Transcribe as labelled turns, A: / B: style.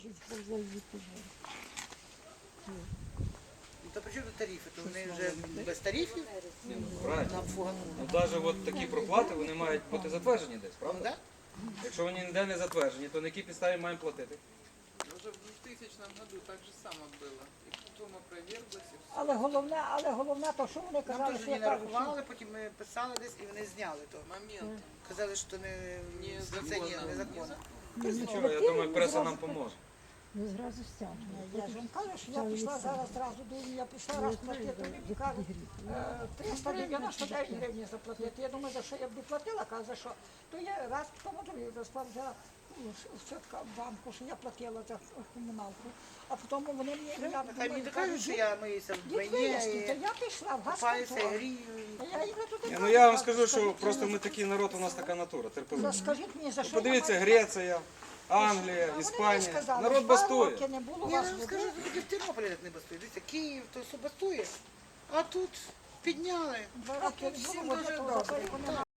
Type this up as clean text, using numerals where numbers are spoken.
A: То при чому тут тарифи? То вони вже без тарифів?
B: Правильно. Ну, навіть от такі проплати, вони мають бути затверджені десь, правда?
A: Да?
B: Якщо вони ніде не затверджені, то на якій підставі маємо платити?
C: Уже в 2000 году так же само было. И потом опроверглось, и все.
D: Але головне, то що вони
A: Нам
D: казали,
A: теж
D: що
A: не
D: я кажу,
A: нарахували, потім ми писали десь і вони зняли то.
C: Момент.
A: Казали, що не незаконно.
B: Нічого, я думаю, преса нам поможе.
E: Ну, зразу стягнули.
D: я ж вам кажу, що я пішла зараз зразу, я пішла раз платити, мені кажуть, 399 гривень заплатити. Я думаю, за що я б платила, каже, за що. То я раз тому другий розклад взяла щотка в банку, що я платила за комуналку, а потім вони мені...
A: Хай мені докажуть, що я миюся в
D: Дід
A: двойні,
D: виясніть, я пішла в
A: купаюся,
D: газконтроль.
A: грію.
D: Я йду туди.
B: Ну я вам скажу, що просто ми такий народ, у нас така натура, терпеливий.
D: Скажіть мені, за що
B: Подивіться,
D: я маю...
B: Греція, Англія,
D: Вони мені
B: Іспанія.
D: сказали,
B: Народ
D: 2
B: бастує.
D: роки не було
A: Я
D: вас
A: вам
D: води.
A: скажу, що тільки в Тернополі так не бастує. Дивіться, Київ, то все бастує. А тут підняли.
D: 2
A: А
D: роки
A: тут
D: не
A: всім
D: було води,
A: дуже
D: то
A: добре.
D: зато вони